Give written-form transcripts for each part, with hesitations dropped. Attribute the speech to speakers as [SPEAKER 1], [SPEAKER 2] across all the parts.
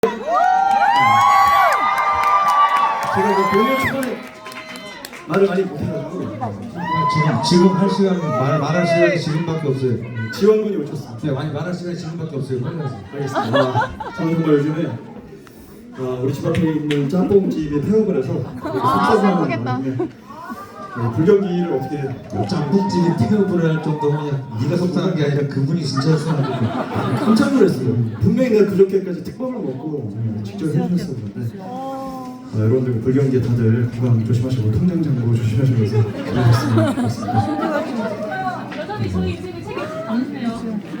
[SPEAKER 1] 제가 그 공연 초반에 말을 많이 못해가지고
[SPEAKER 2] 지금 할 시간 말할 시간이 지금밖에 없어요.
[SPEAKER 1] 지원군이 오셨습니다.
[SPEAKER 2] 네, 많이 말할 시간이 지금밖에 없어요. 빨리 하세요.
[SPEAKER 1] 알겠습니다. 저는 정말 요즘에 우리 집 앞에 있는 짬뽕집에 폐업을 해서 속상한 불경기를 어떻게
[SPEAKER 2] 짬뽕집이 폐업을 할 정도면 네가 속상한 게 아니라 그분이 진짜 속상한
[SPEAKER 1] 깜짝 놀랐어요. 분명히 내가 그저께까지 특밥을 먹고 직접 해주셨었는데 여러분들 불경기에 다들 건강 조심하시고 통장장고 조심하시면서 그러셨습니다.
[SPEAKER 3] 여전히 저희 인생을 책임지지 않으세요.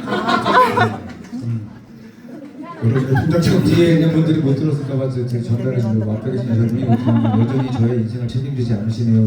[SPEAKER 1] 통장장고
[SPEAKER 2] 뒤에 있는 분들이 못 들었을까봐 제가 전달해 주려고 앞에 계신 여러분이 여전히 저의 인생을 책임지지 않으시네요.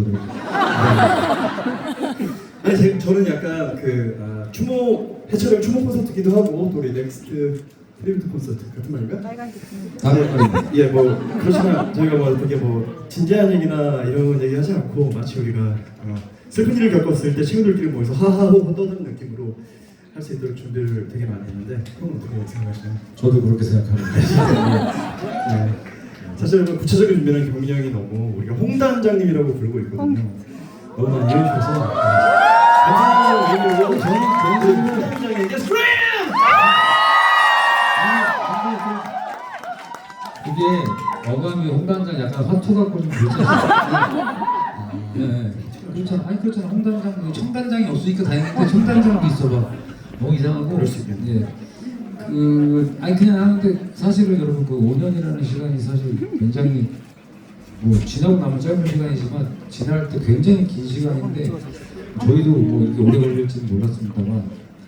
[SPEAKER 1] 아니 저는 약간 추모 해철형 추모 콘서트기도 하고 또 우리 넥스트 트리뷰트 콘서트 같은 말인가?
[SPEAKER 2] 다른 말입니다.
[SPEAKER 1] 예, 뭐 그렇지만 저희가 뭐 되게 뭐 진지한 얘기나 이런 얘기 하지 않고 마치 우리가 슬픈 일을 겪었을 때 친구들끼리 모여서 하하호호 떠드는 느낌으로 할 수 있도록 준비를 되게 많이 했는데 형은 어떻게 생각하시나요?
[SPEAKER 2] 저도 그렇게 생각합니다.
[SPEAKER 1] 네. 사실 구체적인 준비는 경민이 형이 너무 우리가 홍단장님이라고 부르고 있거든요. 너무 많이 해주셔서 감사합니다. 저는 홍단장님께 스프링!
[SPEAKER 2] 이게 어감이 홍단장 약간 화투 갖고 좀 그렇잖아요. 네. 그렇잖아. 아니 그렇잖아. 홍단장 청단장이 없으니까 다행인데 청단장도 있어봐. 너무 이상하고.
[SPEAKER 1] 그럴 수 있겠네.
[SPEAKER 2] 예. 아니 그냥 하는데 사실은 여러분 그 5년이라는 시간이 사실 굉장히 뭐 지나고 나면 짧은 시간이지만 지날 때 굉장히 긴 시간인데 저희도 뭐 이렇게 오래 걸릴지는 몰랐습니다만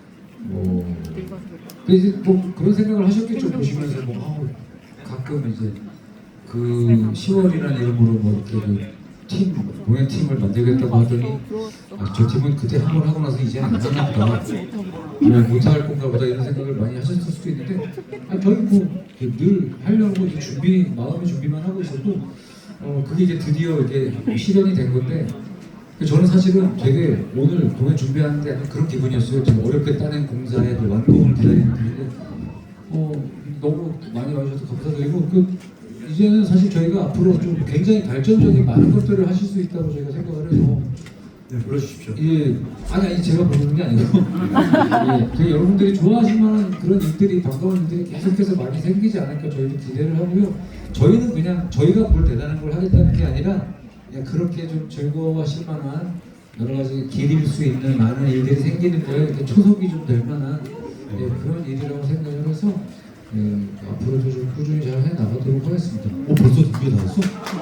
[SPEAKER 2] 이제 뭐 그런 생각을 하셨겠죠. 보시면서 뭐 가끔 이제 그 10월이라는 이름으로 뭐 이렇게 공연 팀을 만들겠다고 하더니 저 팀은 그때 한 번 하고 나서 이제 안 하나 보다 못할 건가 보다 이런 생각을 많이 하셨을 수도 있는데 저희 늘 하려고 이제 마음의 준비만 하고 있어도 그게 이제 드디어 이렇게 실현이 된 건데 저는 사실은 되게 오늘 공연 준비하는데 약간 그런 기분이었어요. 제가 어렵게 따낸 공사의 그 완공을 기다리는 중인데 너무 많이 와주셔서 감사드리고 이제는 사실 저희가 앞으로 좀 굉장히 발전적인 많은 것들을 하실 수 있다고 저희가 생각을 해서
[SPEAKER 1] 네, 불러주십시오.
[SPEAKER 2] 예, 아니 제가 부르는 게 아니고 예, 여러분들이 좋아하실 만한 그런 일들이 반가운 일들이 계속해서 많이 생기지 않을까 저희도 기대를 하고요. 저희는 그냥 저희가 뭘 대단한 걸 하겠다는 게 아니라 그냥 그렇게 좀 즐거워하실 만한 여러 가지 길일 수 있는 많은 일들이 생기는 거에 이렇게 초석이 좀 될 만한 그런 일이라고 생각을 해서 앞으로도 좀 꾸준히 잘 해나가도록 하겠습니다. 벌써 2개 다 했어?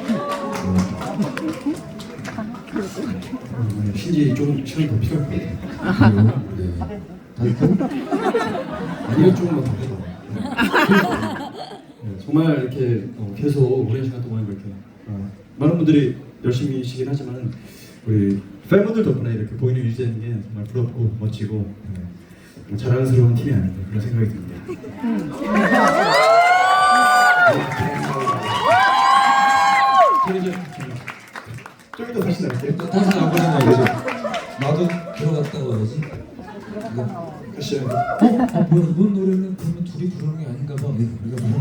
[SPEAKER 1] 신지 좀 시간이 더 필요할 것 같아요.
[SPEAKER 2] 네. 다 했고?
[SPEAKER 1] 아니요, 조금만 더 해봐. 정말 이렇게 계속 오랜 시간 동안 이렇게 많은 분들이 열심히시긴 하지만 우리 팬분들 덕분에 이렇게 보이는 유지되는 게 정말 부럽고 멋지고 자랑스러운 팀이 아닌가 그런 생각이 듭니다. 저는 이제 좀 이따 다시 나갈게요.
[SPEAKER 2] 다시 안 보내놔야지. 나도 들어갔다 와야지.
[SPEAKER 1] 다시
[SPEAKER 2] 뭐야, 넌 노래는 그러면 둘이 부르는 게 아닌가 봐. 우리가